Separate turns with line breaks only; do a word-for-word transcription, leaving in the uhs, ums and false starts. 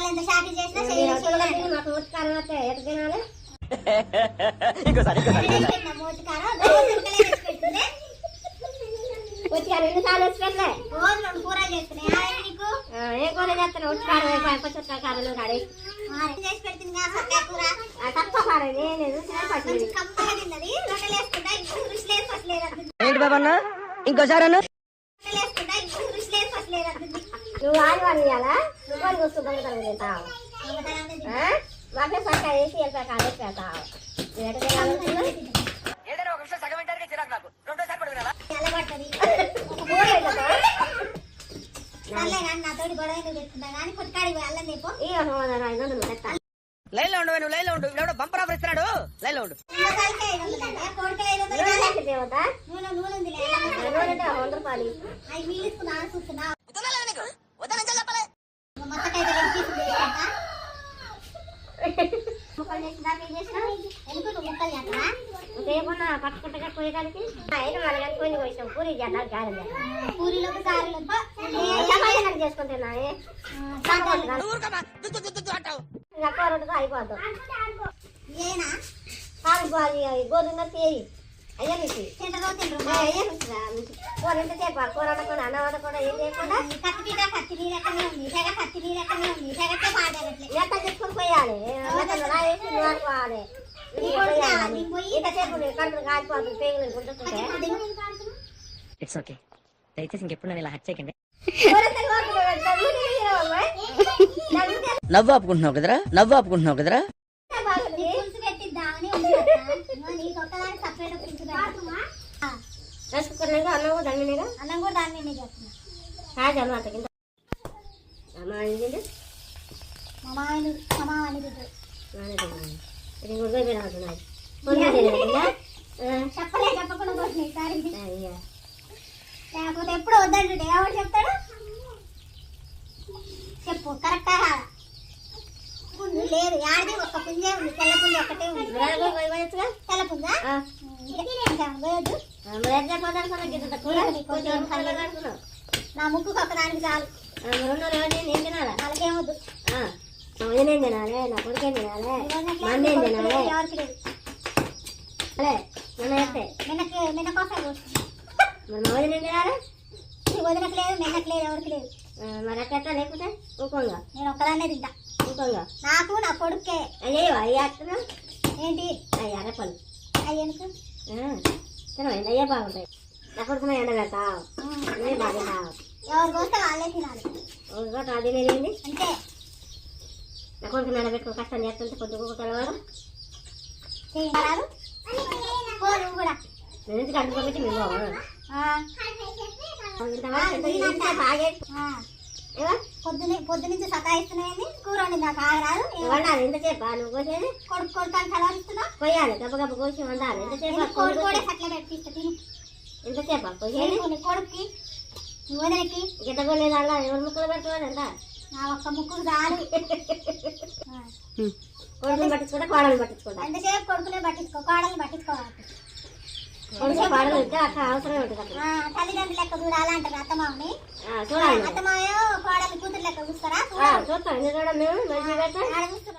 ఎంత షాపింగ్ చేసినా మాకు ఉత్కారం వస్తే ఎటు తినాలి ఉత్కారం ఎన్నిసార్లు వచ్చి పెట్టలే రోజు రెండు కూరలు చేస్తున్నాయి నీకు ఏ కూర చేస్తాను ఉత్కారం పచ్చుకారాలు కాడి చేసి పెడుతుంది కూర తక్కువ కారం నేను కంపగా తిన్నది రొట్టెలు వేసుకుంటా ఇప్పుడు రుచి లేదు ఫస్ట్ లేదు
బాబన్నా ఇంకోసారి
నువ్వు ఆదివారం ఇవ్వాలా నువ్వు వస్తూ దొంగతనం తింటావు మాకే సక్క వేసి వెళ్తా కాలేసి పెడతావు నాతోటి గొడవ పెట్టుకుంటా కానీ కొట్టుకాడికి అల్లం చెప్పు ఐదు వందలు పెట్టా
లైన్ లో ఉండు నువ్వు లైన్ లో ఉండు ఎవడో బంపర్ ఆఫర్ ఇస్తున్నాడు లైన్ లో ఉండు
వంద రూపాయలు అవి మీలుసుకున్నా చూస్తున్నా ముక్కలు చేసినా చేసినా ఎందుకు ముక్కలు చేస్తావా ఇంకేమన్నా పట్టుకుంటా పోయేదానికి కొన్ని పోయినాం పూరి చేద్దాం గారెలు పూరీలకు గారెలు చేసుకుంటున్నా రెండు అయిపోద్దాం ఏనా కాదు గోధుమ తేయి అయ్యా మీకు కూర ఎంత చేప కూర వండకుండా అన్నం వండకుండా ఏం చేయకుండా కత్తి కత్తి నీరకనే ఉంది తెగ కత్తి నీరకనే ఉంది తెగతే పాడగట్లే ఎట్లా చెప్పుకొని పోయాలి అనుకోవాలి ఇంతసేపు కడుపులు కాలిపోతుంది పేగులు గుంటుకుంటే
ఇట్స్ ఓకే దయచేసి ఇంకెప్పుడు నన్ను ఇలా హత్య చేయకండి నవ్వు ఆపుకుంటున్నావు కదరా నవ్వు ఆపుకుంటున్నావు కదరా
రైస్ కుక్కర్ అన్నం కూడా దాని మీద అన్నం కూడా దాని మీద చేస్తున్నా కాదు అన్నమాట కింద చెప్పలే చెప్పకుండా పోతున్నాయి లేకపోతే ఎప్పుడు వద్దంటే ఎవరు చెప్తాడు చెప్పు కరెక్టా లేదు యాడిది ఒక్క పుంజే ఉంది తెల్ల పుంజ ఒక్కటే ఉంది తెల్ల పుంజ నా ముక్కుకు ఒక దానికి చాలు నేను తినాలా వాళ్ళకేమొద్దు నేనేం తినాలి నా కొడుకేం తినాలి మందేం తినాలి ఎవరికి లేదు అలే నిన్న అయితే నిన్నకి నిన్న కోసం మరి మా వదిన ఏం తినాలి నీ వదినకు లేదు నిన్నకు లేదు ఎవరికి లేదు మరి అట్లా లేకపోతే ఊకంగా నేను ఒక్కదాన్నే తింటా ఊకంగా నాకు నా కొడుకే అయ్యో అయ్యా ఏంటి అయ్యా అరపలు అయ్యనుకు తినవండి అయ్యే బాగుంటాయి నా కొడుకున ఎండ పెడతావు అదే బాగుంటావు ఎవరు పోతే వాళ్ళే తినాలి ఒకటి అది నేనేంది అంతే నా కొడుకు ఎండ పెట్టుకో కష్టం చేస్తుంటే కొద్దిగా తెలవడం చేయరాదు కూడా నేను ఎందుకు అడ్డుకోబెట్టి మేము పొద్దున పొద్దు నుంచి సతాయిస్తున్నాయని కూర వండింది నాకు ఆగరాదు వండాలి ఎంతసేపు నువ్వు కోసేది కొడుకు కొడుకు కలవరిస్తున్నా కొయ్యాలి గబ్బ గబ్బ కోసి వండాలి ఎంతసేపు కొడుకు కూడా అట్లా పెట్టిస్తా తిని ఎంతసేపు కొయ్యాలి కొడుక్కి వదినకి గిట్ట కొలేదు అలా ఎవరు ముక్కలు పెట్టుకోవాలి అంట నా ఒక్క ముక్కులు చాలు కొడుకుని పట్టించుకుంటా కోడలు పట్టించుకుంటా ఎంతసేపు కొడుకునే పట్టించుకో కోడలు పట్టించుకోవాలి కోడలు అట్లా అవసరమే ఉంటుంది తల్లిదండ్రులు లెక్క చూడాలి అంటారు అత్తమామని చూడాలి అత్తమాయో కోడలు కూతురు లెక్క చూస్తారా చూస్తాం చూడ మేము